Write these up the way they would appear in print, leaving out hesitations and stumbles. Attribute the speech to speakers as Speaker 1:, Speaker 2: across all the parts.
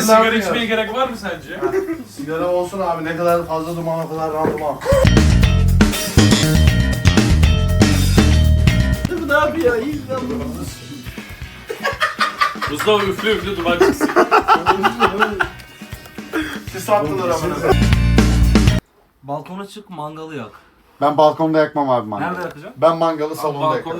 Speaker 1: sigara içmeye gerek var mı sence?
Speaker 2: Sigara olsun abi, ne kadar fazla duman o kadar randıman.
Speaker 3: Bu ne yapıyor? İyi lan.
Speaker 1: Mustafa üflü üflü duman çıksın.
Speaker 2: Siz sattılar amına.
Speaker 3: Balkona çık, mangalı yak.
Speaker 4: Ben balkonda yakmam abi mangalı.
Speaker 3: Nerede yakacaksın?
Speaker 4: Ben mangalı salonda yakarım.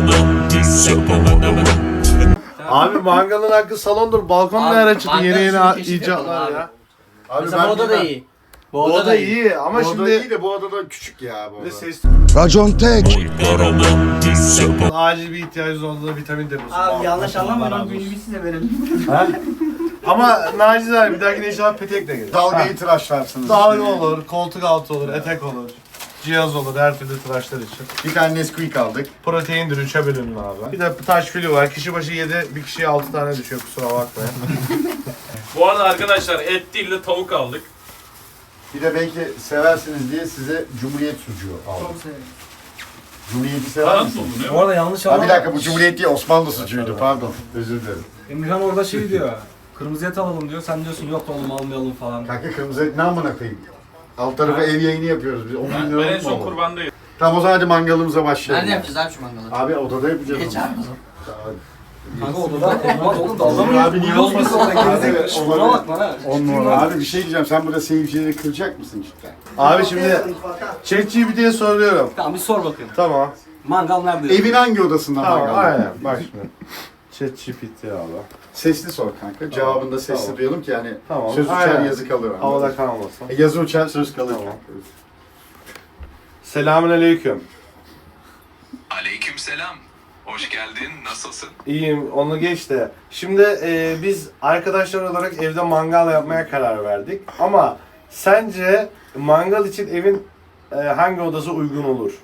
Speaker 2: Abi mangalın hakkı salondur. Balkon ne ara çıktı? Yeni icatlar ya.
Speaker 4: Abi
Speaker 3: Mesela bu oda da iyi.
Speaker 2: Bu oda iyi ama
Speaker 4: Bu
Speaker 2: şimdi...
Speaker 4: oda iyi de bu odada küçük ya bu
Speaker 2: Bir de
Speaker 4: oda.
Speaker 2: ses...
Speaker 5: Racon tek.
Speaker 2: Acil bir ihtiyacınız olduğunda vitamin deposu.
Speaker 3: Abi yanlış anlamayın, o büyüğü size verin.
Speaker 2: Ama nacizane bir dahakine inşallah petek de gelir.
Speaker 4: Dalgayı tıraşlarsınız.
Speaker 2: Dalga olur, koltuk altı olur, etek olur. Cihaz olur, her türlü tıraşlar için.
Speaker 4: Bir tane Nesquik aldık.
Speaker 2: Proteindir 3'e bölünün abi. Bir de taş fili var. Kişi başı 7, bir kişiye 6 tane düşüyor, kusura bakmayın.
Speaker 1: Bu arada arkadaşlar et değil de tavuk aldık.
Speaker 4: Bir de belki seversiniz diye size Cumhuriyet sucuğu aldım.
Speaker 3: Çok severim.
Speaker 4: Cumhuriyeti sever
Speaker 1: Falan mı
Speaker 4: misiniz?
Speaker 1: bu
Speaker 3: Bu arada yanlış
Speaker 4: Ha
Speaker 3: anlama.
Speaker 4: bir dakika, bu Cumhuriyet değil, Osmanlı sucuğuydu, pardon. Özür dilerim.
Speaker 3: Emirhan orada şey diyor. Kırmızı et alalım diyor. Sen diyorsun yok oğlum almayalım falan.
Speaker 4: Kanka kırmızı et ne amına koyayım? Alt tarafa ev yayını yapıyoruz biz. 10 bin
Speaker 1: Ben
Speaker 4: lira
Speaker 1: en
Speaker 4: mı
Speaker 1: son
Speaker 4: olur?
Speaker 1: kurbandayım.
Speaker 4: Tamam o zaman hadi mangalımıza başlayalım.
Speaker 6: Nerede yapacağız abi şu mangalı?
Speaker 4: Abi odada yapacağız.
Speaker 6: Geç
Speaker 4: onu.
Speaker 6: abi o zaman.
Speaker 3: Kanka odada olmaz oğlum, dalga mı
Speaker 4: Abi niye olmasın?
Speaker 3: Gerizekalı.
Speaker 4: Abi,
Speaker 3: Buna bak bana.
Speaker 4: 10 numara. Abi bir şey diyeceğim, sen burada seyircileri kıracak mısın cidden?
Speaker 2: Abi şimdi ChatGPT'ye soruyorum.
Speaker 3: Tamam bir sor bakayım.
Speaker 2: Tamam.
Speaker 3: Mangal nerede?
Speaker 4: Evin hangi odasında
Speaker 2: Tamam,
Speaker 4: mangal?
Speaker 2: aynen. Bak şimdi. ChatGPT abi.
Speaker 4: Sesli sor kanka. Cevabını da sesli
Speaker 2: Tamam.
Speaker 4: duyalım ki yani
Speaker 2: Tamam.
Speaker 4: söz uçar
Speaker 2: Aynen.
Speaker 4: yazı kalır.
Speaker 2: Havada kalmasın.
Speaker 4: Yazı uçar söz kalır.
Speaker 2: Tamam. Selamünaleyküm.
Speaker 7: Aleykümselam. Hoş geldin. Nasılsın?
Speaker 2: İyiyim, onu geç de. Şimdi biz arkadaşlar olarak evde mangal yapmaya karar verdik. Ama sence mangal için evin hangi odası uygun olur?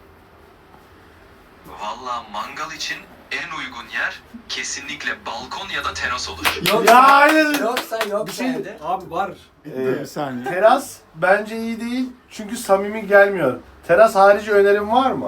Speaker 7: Valla mangal için en uygun yer kesinlikle balkon ya da teras olur.
Speaker 3: Yok
Speaker 2: Ya hayır.
Speaker 3: Yoksa yok
Speaker 2: Bir şey-
Speaker 3: sende. Abi var.
Speaker 4: Bir saniye.
Speaker 2: Teras bence iyi değil çünkü samimi gelmiyor. Teras harici önerim var mı?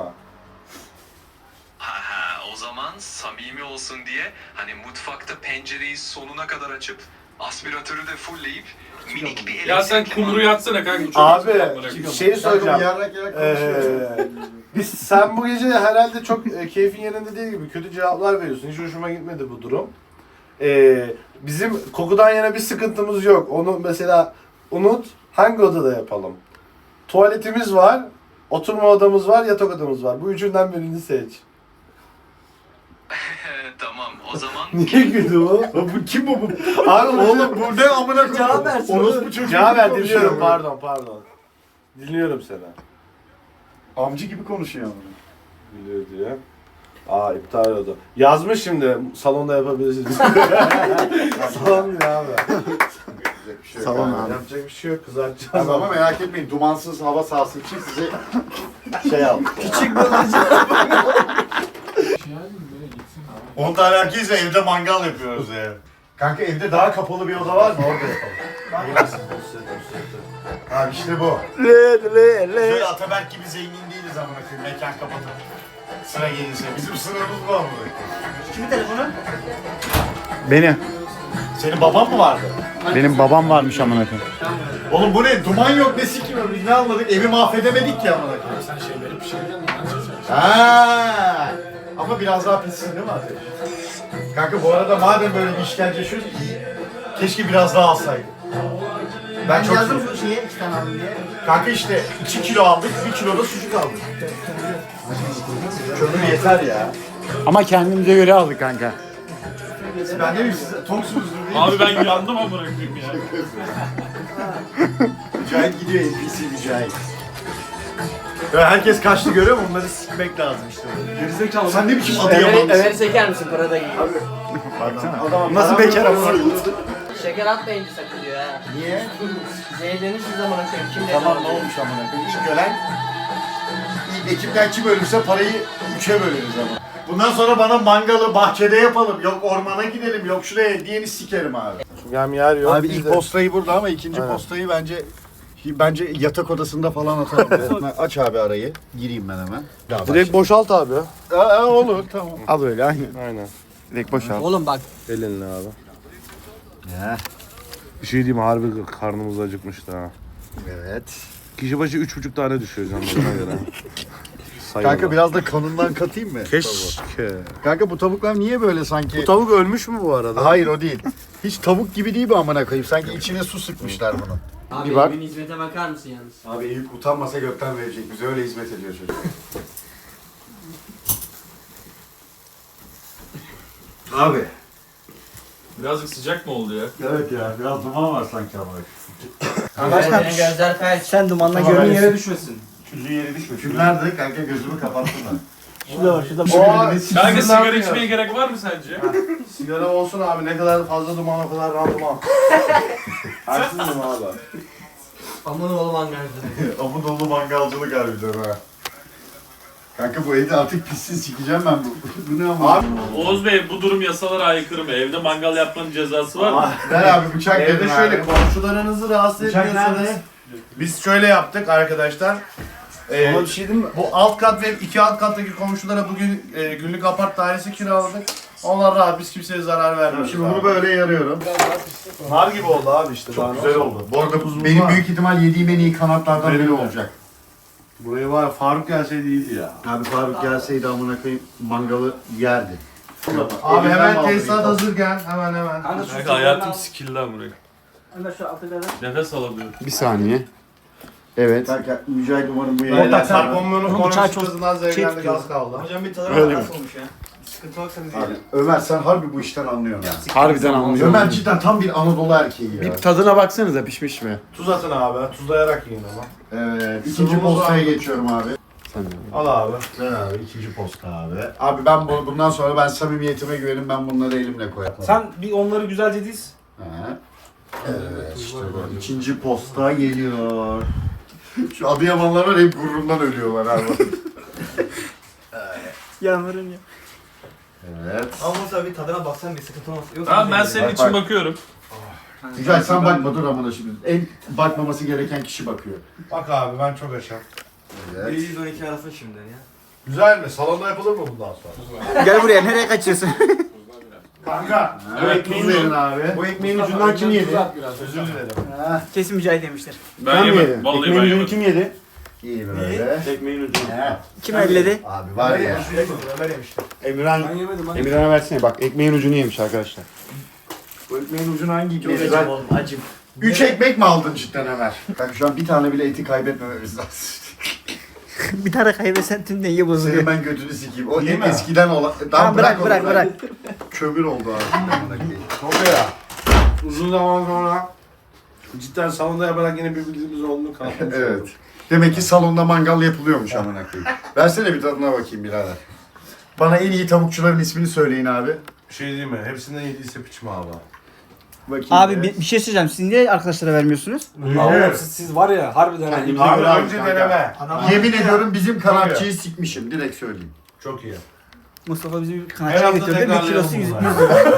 Speaker 7: O zaman samimi olsun diye hani mutfakta pencereyi sonuna kadar açıp aspiratörü de fullleyip minik bir
Speaker 1: Ya sen
Speaker 7: elektrikli
Speaker 1: kumru yatsana kanka. çok
Speaker 2: Abi
Speaker 1: güzel amına koyayım.
Speaker 2: şey söyleyeceğim.
Speaker 4: Yarak konuşuyorsun.
Speaker 2: Sen bu gece herhalde çok keyfin yerinde değil gibi kötü cevaplar veriyorsun. Hiç hoşuma gitmedi bu durum. Bizim kokudan yana bir sıkıntımız yok. Onu mesela unut. Hangi odada yapalım? Tuvaletimiz var, oturma odamız var, yatak odamız var. Bu üçünden birini seç.
Speaker 7: Tamam o zaman
Speaker 2: Niye güldü bu?
Speaker 4: Bu kim bu?
Speaker 2: Abi
Speaker 4: Oğlum bu ne amına koyayım?
Speaker 3: Cevap versin
Speaker 4: Orospu
Speaker 3: oğlum.
Speaker 4: çocuğu
Speaker 2: Cevap ver,
Speaker 4: gibi
Speaker 2: dinliyorum.
Speaker 4: konuşuyor.
Speaker 2: Pardon. Dinliyorum seni.
Speaker 4: Amcı gibi konuşuyor ama.
Speaker 2: Biliyor diye. İptal oldu. Yazmış şimdi salonda yapabilirsiniz. Salon ne abi?
Speaker 4: Yapacak bir şey yok
Speaker 5: Salon
Speaker 4: abi.
Speaker 5: abi.
Speaker 2: Yapacak bir şey yok, kızartacağız.
Speaker 4: Abi ama merak etmeyin, dumansız hava sahası için size şey aldım.
Speaker 3: Küçük bölücü.
Speaker 4: 10 tane erkeğiz evde mangal yapıyoruz ya. Kanka evde daha kapalı bir oda var mı? Orada yapalım. Abi işte bu. Böyle Ataberk gibi zengin değiliz amına koyayım. Mekan kapatıp sıra gelirse. Bizim sınırımız bu amına koyayım.
Speaker 3: Kimin telefonu?
Speaker 5: Benim.
Speaker 4: Senin baban mı vardı?
Speaker 5: Benim babam varmış amına koyayım.
Speaker 4: Oğlum bu ne? Duman yok ne sikim yok. Biz ne anladık? Evi mahvedemedik ki amına koyayım.
Speaker 1: Sen şeyleri pişirdin mi?
Speaker 4: Ha. Ama biraz daha pissin değil mi ateş? Kanka bu arada madem böyle bir işkence yaşıyoruz iyi. Keşke biraz daha alsaydık. Ben çok
Speaker 3: Yazdım şu şeye 2 tane aldım diye.
Speaker 4: Kanka işte 2 kilo aldık, 1 kilo da sucuk aldık. Kömür yeter ya.
Speaker 5: Ama kendimize göre aldık kanka.
Speaker 4: Ben ne bileyim siz toksunuzdur değil mi?
Speaker 1: Abi ben yandım amına koyayım ya.
Speaker 4: Mücahit gidiyor NPC Mücahit. Ya herkes kaçtı görüyor musun? Onları sikmek lazım işte.
Speaker 3: Gerizekalı.
Speaker 4: Sen ne biçim Adıyamanlısın?
Speaker 6: Ömer'i çeker misin? Para da giyiyor.
Speaker 4: Baksana.
Speaker 5: Nasıl bekar ama?
Speaker 6: Şeker atmayın sakın diyor ha.
Speaker 4: Niye?
Speaker 6: Zehirlenirsiniz zaman koyayım. Kim dedi?
Speaker 4: Tamam ne olmuş amına koyayım? İlk ölen, ilk ekipten kim ölürse parayı 3'e böleriz ama. Bundan sonra bana mangalı bahçede yapalım. Yok ormana gidelim, yok şuraya diyeni sikerim abi.
Speaker 2: Hem yer yok.
Speaker 4: Abi
Speaker 2: biz
Speaker 4: ilk
Speaker 2: de-
Speaker 4: postayı burada ama ikinci
Speaker 2: Aynen.
Speaker 4: postayı bence yatak odasında falan atalım. Aç abi arayı. Gireyim ben hemen.
Speaker 2: Direkt boşalt abi.
Speaker 4: Olur tamam.
Speaker 5: Al böyle aynen.
Speaker 2: Aynen.
Speaker 5: Direkt boşalt.
Speaker 6: Oğlum bak.
Speaker 2: Elinle abi. Bir şey diyeyim harbi karnımız acıkmıştı ha.
Speaker 4: Evet.
Speaker 2: Kişi başı 3,5 tane düşüyor canlarına göre.
Speaker 4: Kanka biraz da kanından katayım mı?
Speaker 2: Keşke.
Speaker 4: Kanka bu tavuklar niye böyle sanki?
Speaker 2: Bu tavuk ölmüş mü bu arada?
Speaker 4: Hayır o değil. Hiç tavuk gibi değil bu amına koyayım. Sanki içine su sıkmışlar bunun.
Speaker 6: Abi
Speaker 4: Bir bak.
Speaker 6: evin hizmete bakar mısın yalnız?
Speaker 4: Abi Eyüp utanmasa gökten verecek. Bize öyle hizmet ediyor çocuk. Abi.
Speaker 1: Birazcık sıcak mı oldu ya?
Speaker 4: Evet ya biraz duman var sanki ama.
Speaker 6: Başkan gözler felç.
Speaker 3: Sen dumanla
Speaker 4: Tamam,
Speaker 3: gönlün
Speaker 4: ben-
Speaker 3: yere düşmesin.
Speaker 4: Küllü yeri düşmüyor. Kül nerede? Kanka gözümü kapattım ben.
Speaker 1: Kanka sigara içmeye gerek var mı sence?
Speaker 2: Sigara olsun abi, ne kadar fazla duman o kadar randıman. Haksız mıyım abi?
Speaker 6: Aman oğlum angarcı.
Speaker 4: Abu dolu mangalcılık harbiden ha. Kanka bu evde artık pissin sikeceğim ben bu. Bu ne ama?
Speaker 2: Abi
Speaker 1: Oğuz Bey bu durum yasalara aykırı mı? Evde mangal yapmanın cezası var mı?
Speaker 4: Ver abi bıçak
Speaker 2: evde
Speaker 4: verin
Speaker 2: şöyle
Speaker 4: abi.
Speaker 2: komşularınızı rahatsız
Speaker 4: Bıçak
Speaker 2: etmiyorsanız.
Speaker 4: nerede?
Speaker 2: Biz şöyle yaptık arkadaşlar.
Speaker 3: Ama bir şey diyeyim mi?
Speaker 2: Bu alt kat ve 2 alt kattaki komşulara bugün günlük apart dairesi kiraladık. Onlar rahat, biz kimseye zarar vermiyoruz.
Speaker 4: Şimdi bunu böyle yarıyorum.
Speaker 2: Nar gibi oldu abi işte.
Speaker 4: Çok
Speaker 2: daha
Speaker 4: güzel
Speaker 2: ne
Speaker 4: oldu. Bu arada
Speaker 2: Buzumuz
Speaker 4: benim
Speaker 2: var.
Speaker 4: büyük ihtimal yediğim en iyi kanatlardan
Speaker 2: Benim
Speaker 4: biri
Speaker 2: de.
Speaker 4: olacak.
Speaker 2: Buraya var ya, Faruk gelseydi iyiydi ya.
Speaker 4: Abi Faruk gelseydi amına koyayım mangalı yerdi.
Speaker 2: Abi
Speaker 4: Elimden
Speaker 2: hemen
Speaker 4: aldı
Speaker 2: tesisat
Speaker 4: ilk
Speaker 2: hazır gel. Hemen.
Speaker 1: Kanka hayatım sikildi lan buraya.
Speaker 6: Ömer şu altı kadar.
Speaker 1: Nefes alamıyorum.
Speaker 5: Bir saniye. Evet.
Speaker 4: Kanka Mücahit umarım bu
Speaker 2: Beyler
Speaker 4: yayını
Speaker 2: sarkomunun
Speaker 3: bıçağı çok
Speaker 2: konuşmasından zevklendik
Speaker 3: tutuyor.
Speaker 2: az kaldı.
Speaker 6: Hocam bir tadına
Speaker 5: Öyle mi?
Speaker 6: nasıl olmuş ya? Sıkıntı yoksa biz
Speaker 4: Abi,
Speaker 6: yiyelim.
Speaker 4: Ömer sen harbi bu işten anlıyorsun ya.
Speaker 5: Harbiden anlıyorum.
Speaker 4: Ömer cidden tam bir Anadolu erkeği ya.
Speaker 5: Bir tadına baksanıza pişmiş mi?
Speaker 2: Tuz atın abi. Tuzlayarak yiyin ama.
Speaker 4: Evet. İkinci
Speaker 2: Sıvımız
Speaker 4: postaya
Speaker 2: var.
Speaker 4: geçiyorum abi.
Speaker 5: Sen de.
Speaker 2: Al abi.
Speaker 4: Ver abi ikinci posta abi. Abi ben bundan sonra ben samimiyetime güvenim ben bunları elimle koyarım.
Speaker 3: Sen bir onları güzelce diz.
Speaker 4: He. Evet işte bu. İkinci posta geliyor. Şu Adıyamanlar var hep gururundan ölüyorlar abi.
Speaker 3: Yanlarım ya.
Speaker 4: Evet.
Speaker 6: Ama tabii tadına baksan bir sıkıntı olmaz. Yoksa
Speaker 1: Tamam ben
Speaker 6: biz
Speaker 1: senin
Speaker 4: Bak,
Speaker 1: için
Speaker 4: bak.
Speaker 1: bakıyorum.
Speaker 4: Güzel sen bakma dur amına şimdi. En bakmaması gereken kişi bakıyor.
Speaker 2: Bak abi ben çok aşağı.
Speaker 4: Evet.
Speaker 6: 112 arasın şimdi ya.
Speaker 2: Güzel mi? Salonda yapılır mı bundan sonra?
Speaker 5: Gel buraya, nereye kaçıyorsun?
Speaker 2: Kanka.
Speaker 1: Evet,
Speaker 4: tuz
Speaker 1: tuzlu.
Speaker 4: verin abi. Bu ekmeğin ucundan kim yedi?
Speaker 2: Özür dilerim.
Speaker 3: Kesin Mücahit demiştir.
Speaker 1: Ben yemedim. Vallahi ben yemedim.
Speaker 5: kim yedi?
Speaker 4: İyi böyle.
Speaker 2: Ekmeğin ucu.
Speaker 4: He.
Speaker 5: Kim elledi?
Speaker 4: Abi var ya.
Speaker 2: Ömer yemiştim.
Speaker 5: Emirhan.
Speaker 3: Ben yemedim lan.
Speaker 5: Emirhan'a versene bak, ekmeğin ucunu yemiş arkadaşlar.
Speaker 4: Bu ekmeğin ucunu hangi
Speaker 6: Çok
Speaker 4: ikisi?
Speaker 6: acım oğlum acım.
Speaker 4: 3 ekmek mi aldın cidden Ömer? Kanka şu an bir tane bile eti kaybetmememiz lazım.
Speaker 3: Bir tane kaybetsen tüm dengi bozuluyor.
Speaker 4: Senin ben götünü sikeyim. O
Speaker 2: Değil
Speaker 4: en
Speaker 2: mi?
Speaker 4: eskiden olan...
Speaker 3: Tamam bırak
Speaker 4: onu,
Speaker 3: bırak.
Speaker 4: Kömür oldu abi.
Speaker 2: Çok ya. Uzun zaman sonra cidden salonda yaparak yine bir bildiğimiz olduğunu kanıtlamış
Speaker 4: Evet.
Speaker 2: olduk.
Speaker 4: Demek ki salonda mangal yapılıyormuş amına koyayım. Versene bir tadına bakayım birader. Bana en iyi tavukçuların ismini söyleyin abi.
Speaker 2: Bir şey diyeyim mi? Hepsinden yediyse piçme abi.
Speaker 4: Bakayım.
Speaker 8: Abi bir şey söyleyeceğim. Siz niye arkadaşlara vermiyorsunuz?
Speaker 3: Oğlum siz var ya harbiden ha.
Speaker 4: Kendimize
Speaker 2: Abi
Speaker 4: göre al
Speaker 2: önce
Speaker 4: kanka.
Speaker 2: deneme.
Speaker 4: Yemin ediyorum bizim kanatçıyı sikmişim. Direkt söyleyeyim.
Speaker 2: Çok iyi.
Speaker 8: Mustafa bizi bir
Speaker 2: Her
Speaker 8: kanatçıya
Speaker 2: hafta
Speaker 8: götürdü. Bir
Speaker 2: tekrarlayalım
Speaker 8: kilosu 100
Speaker 2: bunu.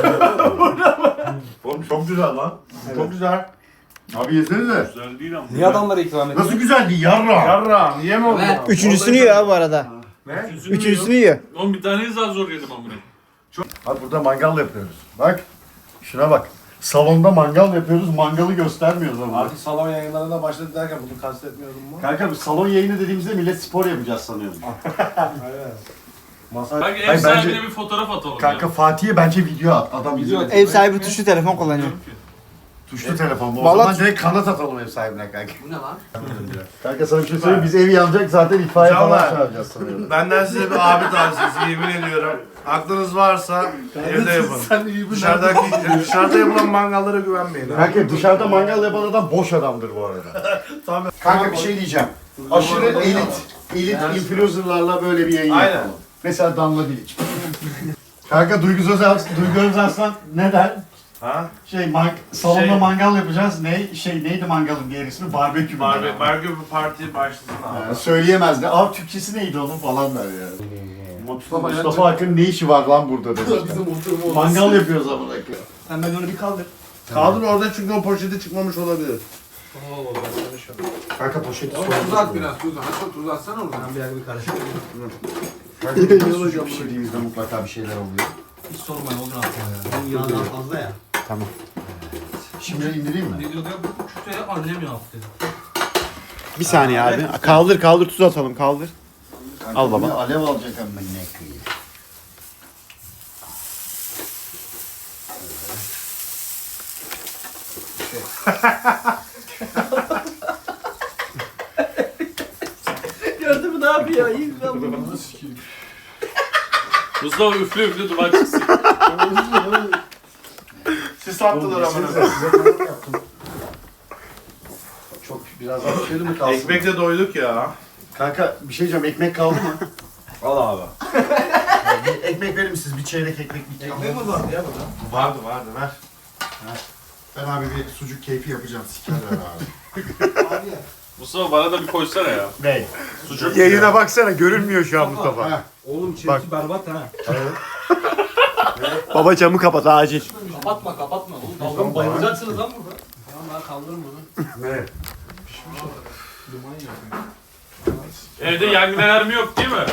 Speaker 4: Oğlum çok güzel lan.
Speaker 2: Çok güzel.
Speaker 4: Abi yesenize.
Speaker 1: Güzel değil ama.
Speaker 3: Niye adamlara ikram
Speaker 4: Nasıl
Speaker 3: ettin?
Speaker 4: güzeldi yarra.
Speaker 2: Yarrağım yeme onu.
Speaker 6: Evet.
Speaker 8: Üçüncüsünü yiyor abi bu arada.
Speaker 2: Ne?
Speaker 8: Üçüncüsünü yiyor.
Speaker 1: Oğlum bir taneyi daha zor yedim amına.
Speaker 4: Abi burada mangal yapıyoruz. Bak. Şuna bak. Salonda mangal yapıyoruz. Mangalı göstermiyoruz ama.
Speaker 2: Artık salon yayınlarına başladı derken bunu kastetmiyordum mu?
Speaker 4: Kanka bu salon yayını dediğimizde millet spor yapacağız sanıyordum.
Speaker 2: Aynen. Masa...
Speaker 1: Kanka ev
Speaker 4: Hayır,
Speaker 1: sahibine
Speaker 4: bence-
Speaker 1: bir fotoğraf atalım
Speaker 4: Kanka
Speaker 1: ya.
Speaker 4: Fatih'e bence video at. Adam
Speaker 3: Video
Speaker 4: video
Speaker 3: at.
Speaker 8: Ev sahibi tuşlu telefon kullanıyor.
Speaker 4: Tuşlu telefon bu. O
Speaker 8: Vallahi-
Speaker 4: zaman direkt kanat atalım ev sahibine kanka.
Speaker 6: Bu ne lan?
Speaker 4: Kanka sana bir şey söyleyeyim. Biz evi yanacak zaten itfaiye falan
Speaker 2: Canlar.
Speaker 4: çağıracağız sanıyordum.
Speaker 2: Benden size bir abi tavsiyesi yemin ediyorum. Aklınız varsa evde yapın. Dışarıda yapılan mangallara güvenmeyin. abi.
Speaker 4: Kanka dışarıda mangal yapan adam boş adamdır bu arada.
Speaker 2: Tamam.
Speaker 4: Kanka bir şey diyeceğim. Aşırı elit influencerlarla böyle bir yayın
Speaker 2: Aynen.
Speaker 4: yapalım. Mesela Damla Bilic. Kanka Duygu Özarslan ne der?
Speaker 2: Ha?
Speaker 4: Salonda
Speaker 2: Şey-
Speaker 4: mangal yapacağız. Neydi mangalın diğer ismi? Barbekü mü?
Speaker 2: Barbekü bir parti başlasın abi.
Speaker 4: Yani söyleyemez de. Abi Türkçesi neydi onun falan der ya. Mustafa Akın ne işi var lan burada demiş. Mangal yapıyoruz amına koyayım.
Speaker 6: Sen ben onu bir kaldır.
Speaker 2: Kaldır orada çünkü o poşeti çıkmamış olabilir.
Speaker 4: Kanka poşeti
Speaker 9: Tuz at biraz tuz. Hatta tuz atsana oradan.
Speaker 6: Ben bir dakika bir karıştırayım.
Speaker 4: Kanka pişirdiğimizde mutlaka bir şeyler oluyor.
Speaker 6: Hiç sormayın olur aslında ya. Bunun yağından fazla ya.
Speaker 5: Tamam.
Speaker 4: Şimdi indireyim mi?
Speaker 3: Ne diyordu ya? Bu kütüğe annem yaptı.
Speaker 5: Bir saniye abi. Kaldır tuz atalım kaldır. Al baba.
Speaker 4: Alev alacak ama ne kıyı.
Speaker 6: Gördün mü ne yapıyor? İyi lan bu.
Speaker 1: Mustafa üflü üflü duman çıksın.
Speaker 2: Siz attılar ama.
Speaker 4: Çok biraz daha pişirdi mi kalsın?
Speaker 2: Ekmekle doyduk ya.
Speaker 4: Kanka bir şey diyeceğim, ekmek kaldı mı?
Speaker 2: Al abi.
Speaker 4: Bir ekmek verir misiniz? Bir çeyrek ekmek.
Speaker 6: Ekmek mi vardı ya burada?
Speaker 2: Vardı ver.
Speaker 4: Ben abi bir sucuk keyfi yapacağım. Sikerler abi.
Speaker 1: Mustafa bana da bir koysana ya.
Speaker 4: Ney?
Speaker 1: Sucuk.
Speaker 5: Yayına baksana görünmüyor şu an Mustafa.
Speaker 4: Ha.
Speaker 3: Oğlum çirki
Speaker 5: Bak.
Speaker 3: berbat ha.
Speaker 5: Baba camı kapat acil.
Speaker 3: Kapatma. Oğlum dalga mı bayılacaksınız lan burada? Tamam ben kaldırırım bunu.
Speaker 4: Ne?
Speaker 1: Evde yangın alarmı yok değil mi?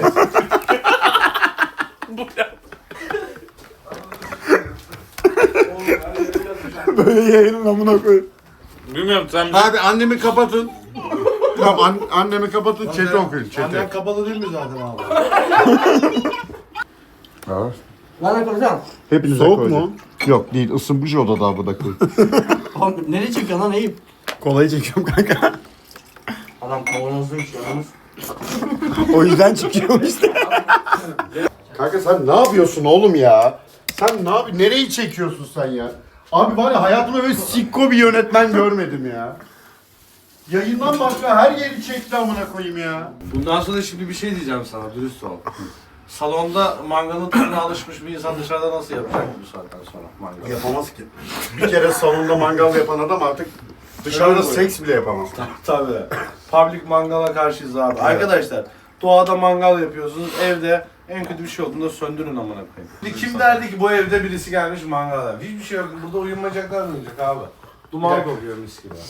Speaker 5: Böyle yayının amına koy.
Speaker 1: Bilmiyorum sen
Speaker 4: Abi annemi kapatın. Tamam annemi kapatın. Chat'i okuyun.
Speaker 2: Annen kapalı değil mi zaten abi?
Speaker 6: Lan koyacağım.
Speaker 5: Hepinize
Speaker 4: Soğuk
Speaker 5: koyacağım.
Speaker 4: mu? Yok değil, ısınmış odada abi da koy.
Speaker 6: Oğlum nereye çekiyorsun lan Eyüp?
Speaker 5: Kolayı çekiyorum kanka.
Speaker 6: Adam kavanozda içiyor yalnız.
Speaker 5: O yüzden çıkıyorum işte.
Speaker 4: Kanka sen ne yapıyorsun oğlum ya? Sen ne yapıyorsun? Nereyi çekiyorsun sen ya? Abi var ya hayatımda böyle sikko bir yönetmen görmedim ya. Yayından başka her yeri çekti amına koyayım ya.
Speaker 2: Bundan sonra şimdi bir şey diyeceğim sana, dürüst ol. Salonda mangalın tadına alışmış bir insan dışarıda nasıl yapacak bu saatten sonra mangal?
Speaker 4: Yapamaz ki. Bir kere salonda mangal yapan adam artık dışarıda
Speaker 2: Öyle mi?
Speaker 4: seks bile yapamaz.
Speaker 2: Tabii. Public mangala karşıyız abi. Arkadaşlar, doğada mangal yapıyorsunuz, evde en kötü bir şey olduğunda söndürün amına koyayım. Kim derdi ki bu evde birisi gelmiş mangal yapıyor? Hiçbir şey yok. Burada uyumayacaklar mı olacak abi? Duman kokuyor mis gibi.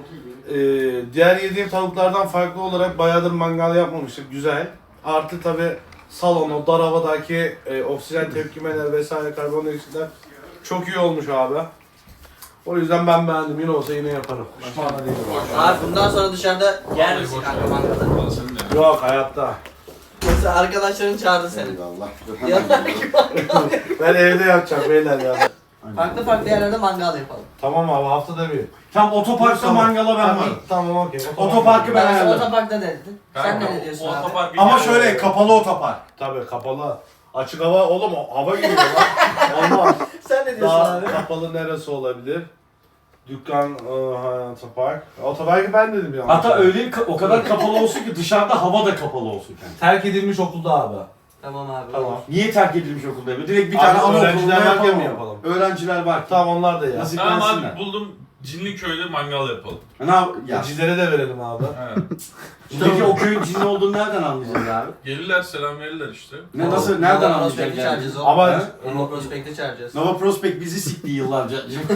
Speaker 2: Diğer yediğim tavuklardan farklı olarak bayağıdır mangal yapmamıştık. Güzel. Artı tabi salon, o dar havadaki oksijen tepkimeler vesaire karbondioksitler çok iyi olmuş abi. O yüzden ben beğendim. Yine olsa yine yaparım. Pişman değilim.
Speaker 6: Abi bundan sonra dışarıda yer misin kanka mangalı?
Speaker 2: Yok hayatta.
Speaker 6: Mesela arkadaşların çağırdı seni.
Speaker 4: Allah.
Speaker 6: Yanındaki mangal.
Speaker 2: Ben evde yapacağım beyler ya.
Speaker 6: Farklı yerlerde mangal yapalım.
Speaker 2: Tamam abi haftada bir.
Speaker 3: Tam otoparkta mangala ben varım.
Speaker 2: Tamam okey.
Speaker 3: Otoparkı ben
Speaker 6: Ben
Speaker 3: ayarlarım.
Speaker 6: otoparkta dedin. Sen ne diyorsun abi?
Speaker 1: Otopark bir
Speaker 3: Ama
Speaker 1: kere
Speaker 3: şöyle
Speaker 1: oluyor.
Speaker 3: kapalı otopark.
Speaker 2: Tabii kapalı. Açık hava oğlum hava giriyor lan. Olmaz.
Speaker 6: Sen ne diyorsun
Speaker 2: Daha
Speaker 6: abi?
Speaker 2: kapalı neresi olabilir? Dükkan, otopark. Otoparkı ben dedim ya.
Speaker 3: Hatta öyle o kadar kapalı olsun ki dışarıda hava da kapalı olsun yani.
Speaker 2: Terk edilmiş okulda abi.
Speaker 6: Tamam abi.
Speaker 2: Tamam.
Speaker 3: Niye terk edilmiş okulda yapıyor? Direkt bir
Speaker 2: Abi
Speaker 3: tane anaokulunda
Speaker 2: öğrenciler varken
Speaker 3: yapalım.
Speaker 2: mi yapalım?
Speaker 3: Öğrenciler var.
Speaker 2: Tamam onlar da ya.
Speaker 3: Nasıl
Speaker 1: Tamam
Speaker 3: bensinler?
Speaker 1: abi buldum. Cinliköy'de mangal yapalım.
Speaker 3: Ne yap? Ya.
Speaker 2: Gecilere de verelim abi.
Speaker 1: He.
Speaker 3: Peki o köyün cinli olduğunu nereden anlayacağız abi?
Speaker 1: Gelirler selam verirler işte.
Speaker 3: Ne nasıl nereden
Speaker 6: Nova
Speaker 3: anlayacağız
Speaker 6: Prospect'i
Speaker 3: yani?
Speaker 6: çağıracağız oğlum.
Speaker 2: Ama
Speaker 6: Nova Prospect'i çağıracağız.
Speaker 3: Nova Prospect bizi sikti yıllarca.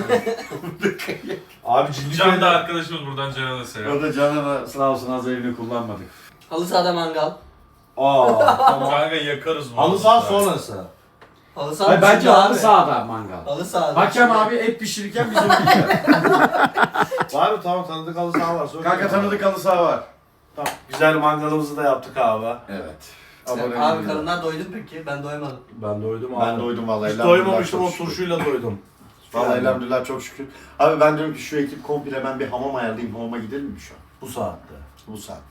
Speaker 2: abi
Speaker 1: Can da
Speaker 2: Cinliköy'de
Speaker 1: arkadaşımız buradan Can'a da selam.
Speaker 3: O da Can'a sağ olsun az evini kullanmadık.
Speaker 6: Halı sahada mangal.
Speaker 2: tamam.
Speaker 1: Kanka yakarız bu.
Speaker 2: Halı saha sonrası.
Speaker 6: Halı saha
Speaker 3: Hayır, bence
Speaker 6: düşünce
Speaker 3: halı
Speaker 6: abi.
Speaker 3: sahada mangal.
Speaker 6: Halı sahada.
Speaker 3: Hakem abi et pişirirken biz onu yiyeceğiz.
Speaker 2: Var mı? Tamam tanıdık halı saha var. Sonra
Speaker 3: Kanka tanıdık halı saha var.
Speaker 2: Tamam. Güzel mangalımızı da yaptık abi.
Speaker 3: Evet.
Speaker 6: Abi karınlar doydu peki? Ben doymadım.
Speaker 2: Ben doydum abi.
Speaker 4: Ben doydum vallahi.
Speaker 2: Hiç
Speaker 4: elhamdülillah,
Speaker 2: doymamıştım
Speaker 4: çok
Speaker 2: o
Speaker 4: şükür.
Speaker 2: turşuyla doydum.
Speaker 4: Vallahi elhamdülillah çok şükür. Abi ben diyorum ki şu ekip komple ben bir hamam ayarlayayım. Hamama gidelim mi şu an?
Speaker 2: Bu saatte.
Speaker 4: Bu saatte.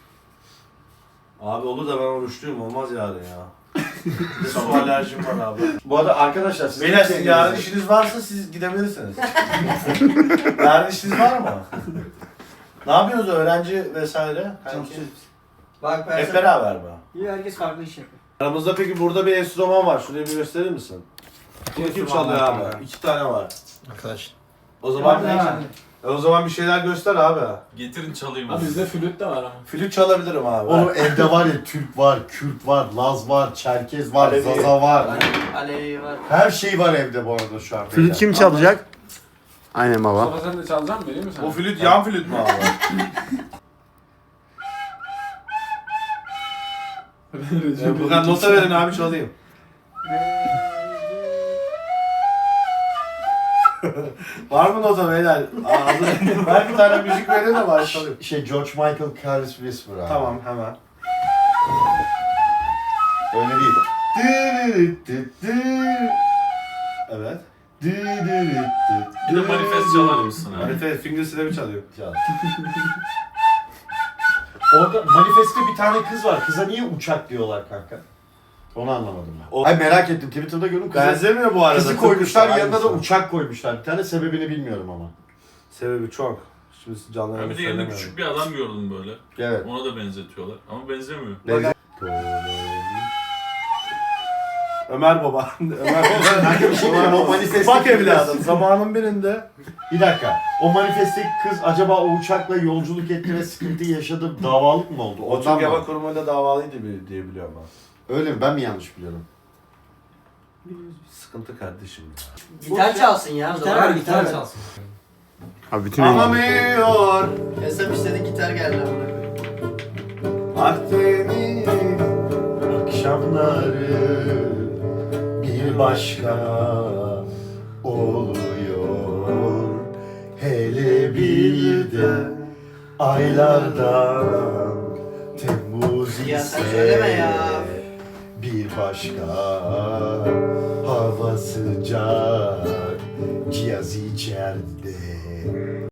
Speaker 2: Abi olur da ben oruçluyum olmaz yarın ya. Bir de su alerjim var abi.
Speaker 4: Bu arada arkadaşlar siz
Speaker 2: Beyler siz yarın işiniz varsa siz gidebilirsiniz. Yarın işiniz var mı? Ne yapıyorsunuz öğrenci vesaire? Kanki?
Speaker 6: Bak ben
Speaker 2: Hep beraber mi?
Speaker 6: İyi herkes farklı iş yapıyor.
Speaker 2: Aramızda peki burada bir enstrüman var. Şuraya bir gösterir misin? Bunu kim çalıyor abi? 2 tane var.
Speaker 8: Arkadaş.
Speaker 2: O zaman o zaman bir şeyler göster abi.
Speaker 1: Getirin çalayım.
Speaker 3: Abi bizde flüt de var ama.
Speaker 2: Flüt çalabilirim abi.
Speaker 4: Oğlum evde var ya Türk var, Kürt var, Laz var, Çerkez var,
Speaker 2: Alevi.
Speaker 4: Zaza var.
Speaker 6: Alevi var.
Speaker 4: Her şey var evde bu arada şu an.
Speaker 5: Flüt kim çalacak? Aynen baba.
Speaker 9: Mustafa sen de çalacaksın mı? Vereyim mi sana?
Speaker 2: O flüt yan flüt mü abi? Buradan nota verin abi çalayım. Var mı nota beyler? Ben bir tane müzik verin de başlayalım.
Speaker 4: George Michael Careless Whisper abi.
Speaker 2: Tamam hemen.
Speaker 4: Öyle değil.
Speaker 2: Evet.
Speaker 1: Bir de manifest çalar mısın abi?
Speaker 2: Evet, finger slap'i çalıyor.
Speaker 4: Çal. Orada manifeste bir tane kız var. Kıza niye uçak diyorlar kanka? Onu anlamadım ben. Ay merak ettim. Twitter'da gördüm.
Speaker 2: Benzemiyor bu arada.
Speaker 4: Kızı koymuşlar,
Speaker 2: Tıpkı
Speaker 4: yanına da
Speaker 2: aynısı.
Speaker 4: uçak koymuşlar. Bir tane sebebini bilmiyorum ama.
Speaker 2: Sebebi çok. Şimdi canlı
Speaker 1: Ben bir de yanında küçük bir adam gördüm böyle.
Speaker 4: Evet.
Speaker 1: Ona da benzetiyorlar ama benzemiyor.
Speaker 2: Ömer Baba. Ömer Baba.
Speaker 4: Kanka bir şey diyeceğim. O manifeste
Speaker 2: Bak evladım. Zamanın birinde
Speaker 4: Bir dakika. O manifestteki kız acaba o uçakla yolculuk etti ve sıkıntı yaşadı. Davalık mı oldu?
Speaker 2: o
Speaker 4: Ondan
Speaker 2: Türk Hava
Speaker 4: mı?
Speaker 2: Kurumu'yla davalıydı diye biliyorum ben.
Speaker 4: Öyle mi? Ben mi yanlış biliyorum?
Speaker 2: Sıkıntı kardeşim.
Speaker 6: Gitar çalsın ya.
Speaker 3: Gitar çalsın.
Speaker 5: Abi bütün
Speaker 2: Anlamıyor.
Speaker 6: Esem istedi gitar geldi ama.
Speaker 2: Akdeniz.
Speaker 4: Akşamları bir başka oluyor. Hele bir de aylardan Temmuz
Speaker 6: Ya sen
Speaker 4: ise
Speaker 6: söyleme ya.
Speaker 4: bir başka hava sıcak cihaz içeride.